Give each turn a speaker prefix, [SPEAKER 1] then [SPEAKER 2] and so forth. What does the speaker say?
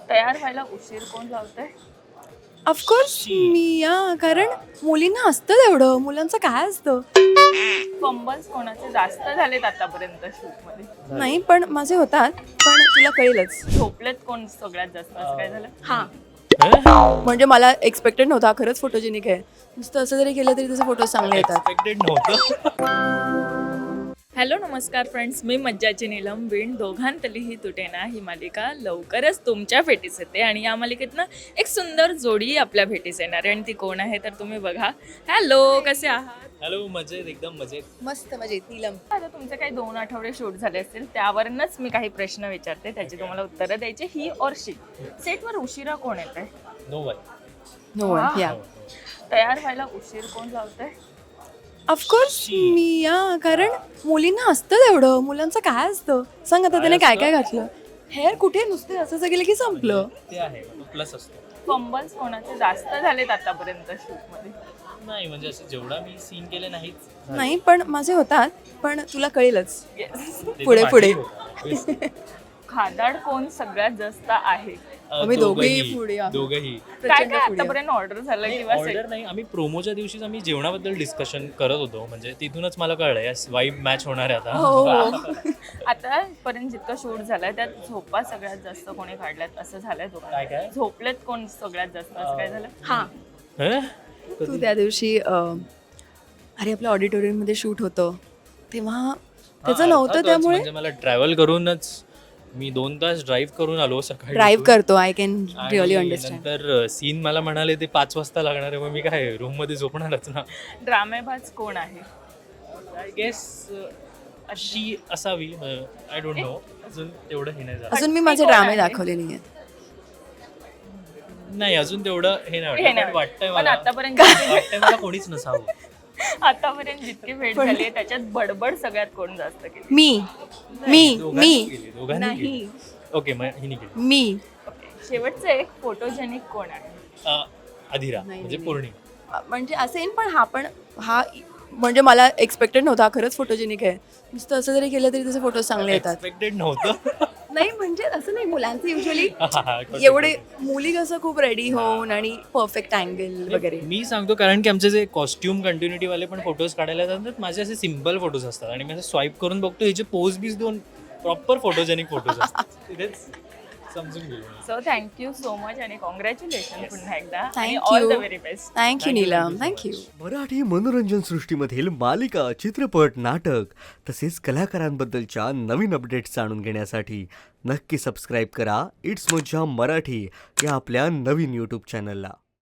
[SPEAKER 1] तयार व्हायला उशीर कोण लावतंय?
[SPEAKER 2] ऑफकोर्स मी कारण मुलींना असतं तेवढं, मुलांचं काय असतं.
[SPEAKER 1] फंबल्स कोणाचे जास्त झालेत आतापर्यंत शूटमध्ये?
[SPEAKER 2] नाही पण माझे होतात, पण तुला कळेलच.
[SPEAKER 1] झोपलेत कोण सगळ्यात जास्त, असं काय झालं?
[SPEAKER 2] हां म्हणजे मला एक्सपेक्टेड नव्हता, खरंच फोटोजेनिक आहे. नुसतं असं जरी केलं तरी त्याचे फोटोज चांगले येतात.
[SPEAKER 3] एक्सपेक्टेड नव्हतं.
[SPEAKER 1] हॅलो नमस्कार फ्रेंड्स, मी मज्जाची नीलम. विण दोघांतलीही तुटेना ही मालिका लवकरच तुमच्या भेटीस येते आणि या मालिकेतनं एक सुंदर जोडी आपल्या भेटीस येणार आहे आणि ती कोण आहे तर तुम्ही बघा. हॅलो, कसे आहात?
[SPEAKER 3] हॅलो, मजेत, एकदम मजेत.
[SPEAKER 2] मस्त मजेत नीलम.
[SPEAKER 1] आता तुमचे काही 2 आठवडे शूट झाले असतील, त्यावरूनच मी काही प्रश्न विचारते, त्याची तुम्हाला उत्तरं द्यायची. ही और शी. सेटवर उशिरा कोण येत आहे?
[SPEAKER 3] No one.
[SPEAKER 2] No one. या
[SPEAKER 1] तयार व्हायला उशीर कोण लावतंय?
[SPEAKER 2] ऑफकोर्स मी कारण मुलींना असतं तेवढं, मुलांचं काय असतं. सांग आता त्याने काय काय घातलं. हेअर कुठे नुसते असं केलं की संपलं.
[SPEAKER 3] ते आहे प्लस असतो.
[SPEAKER 1] फंबल्स कोणाचे जास्त झालेत आतापर्यंत शूटमध्ये?
[SPEAKER 3] नाही म्हणजे असं जेवढा मी सीन केले नाहीच.
[SPEAKER 2] नाही पण माझे होतात, पण तुला कळेलच.
[SPEAKER 1] येस.
[SPEAKER 3] ते तर
[SPEAKER 2] पुढे
[SPEAKER 3] माझेही
[SPEAKER 2] पुढे.
[SPEAKER 3] होतं.
[SPEAKER 1] खादाड कोण सगळ्यात जास्त आहे?
[SPEAKER 2] आम्ही दोघंही पुढे आहोत.
[SPEAKER 3] दोघंही.
[SPEAKER 1] काय
[SPEAKER 2] प्रचंड
[SPEAKER 1] काय
[SPEAKER 2] पुढे
[SPEAKER 1] आतापर्यंत ऑर्डर झालं किंवा
[SPEAKER 3] ऑर्डर नाही, आम्ही प्रोमोच्या दिवशीच आम्ही जेवणाबद्दल डिस्कशन करत होतो. म्हणजे तिथूनच मला कळलं या वाईब मॅच होणार आहे आता.
[SPEAKER 2] हो.
[SPEAKER 1] आतापर्यंत जितकं शूट झालंय त्यात झोपा सगळ्यात जास्त कोणी काढल्यात असं झालंय
[SPEAKER 3] काय
[SPEAKER 1] दोघांना?
[SPEAKER 3] काय?
[SPEAKER 1] झोपलेत कोण सगळ्यात जास्त, असं काय झालं?
[SPEAKER 2] हां
[SPEAKER 3] हं?
[SPEAKER 2] तू त्या दिवशी अरे आपल्या ऑडिटोरियममध्ये शूट होतं तेव्हा त्याचं
[SPEAKER 3] हां,
[SPEAKER 2] नव्हतं,
[SPEAKER 3] अर्थातच.
[SPEAKER 2] त्यामुळे
[SPEAKER 3] म्हणजे मला ट्रॅव्हल करूनच मी 2 तास ड्राईव्ह करून आलो सकाळी.
[SPEAKER 2] ड्राईव्ह करतो. आय कॅन
[SPEAKER 3] आणि
[SPEAKER 2] रिअली अंडरस्टँड.
[SPEAKER 3] नंतर सीन मला म्हणाले ते 5 वाजता लागणार आहे. मग मी काय रूम मध्ये झोपणारच ना.
[SPEAKER 1] ड्रामेबाज कोण आहे?
[SPEAKER 3] आय गेस अशी असावी. I don't know. अजून तेवढं हे नाही झालं.
[SPEAKER 2] अजून मी
[SPEAKER 1] ती
[SPEAKER 2] माझे
[SPEAKER 1] कोण
[SPEAKER 2] ड्रामे
[SPEAKER 1] आहे?
[SPEAKER 2] दाखवले नाही आहेत.
[SPEAKER 3] नाही अजून तेवढं हे नाही
[SPEAKER 1] हे नाही
[SPEAKER 3] वाटत. वाटतंय
[SPEAKER 1] पण
[SPEAKER 3] मला.
[SPEAKER 1] आतापर्यंत
[SPEAKER 3] वाटतंय मला कोणीच नसावं.
[SPEAKER 1] आतापर्यंत जितकी भेट झाली आहे त्याच्यात बडबड सगळ्यात कोण जास्त केली?
[SPEAKER 2] मी
[SPEAKER 3] दोघांनी केली, दोघांनी
[SPEAKER 2] नाही
[SPEAKER 3] केली. ओके मग हिने केली.
[SPEAKER 2] मी
[SPEAKER 1] शेवटचं एक फोटोजेनिक कोण आहे?
[SPEAKER 3] अधिरा
[SPEAKER 2] नाही,
[SPEAKER 3] म्हणजे
[SPEAKER 2] नाही.
[SPEAKER 3] पौर्णिमा.
[SPEAKER 2] म्हणजे असेल पण हा म्हणजे मला एक्सपेक्टेड नव्हता, खरंच फोटोजेनिक आहे. नुसतं असं जरी केलं तरी त्याचे फोटोज चांगले येतात.
[SPEAKER 3] एक्सपेक्टेड नव्हतं.
[SPEAKER 2] नाही म्हणजे असं नाही, मुलांचे युजली
[SPEAKER 3] हा,
[SPEAKER 2] एवढे मुली कसं खूप रेडी होऊन आणि परफेक्ट अँगल वगैरे.
[SPEAKER 3] मी सांगतो कारण की आमचे जे कॉस्ट्युम कंटिन्युटी वाले पण फोटोज काढायला जातात, माझे असे सिम्पल फोटोज असतात आणि मी असं स्वाईप करून बघतो ह्याचे पोज बीज दोन प्रॉपर फोटोजेनिक फोटोज असतात. तिथेच समजून गेलो.
[SPEAKER 1] सो थँक्यू सो मच आणि कॉंग्रॅच्युलेशन पुन्हा एकदा आणि
[SPEAKER 2] Thank
[SPEAKER 1] all the
[SPEAKER 2] you.
[SPEAKER 1] Very best.
[SPEAKER 2] Thank you Neelam, thank you.
[SPEAKER 4] Marathi मनोरंजन सृष्टीमधील मालिका, चित्रपट, नाटक तसेच कलाकारांबद्दलच्या नवीन अपडेट्स जाणून घेण्यासाठी नक्की सबस्क्राईब करा इट्स मज्जा मराठी या आपल्या नवीन यूट्यूब चॅनलला.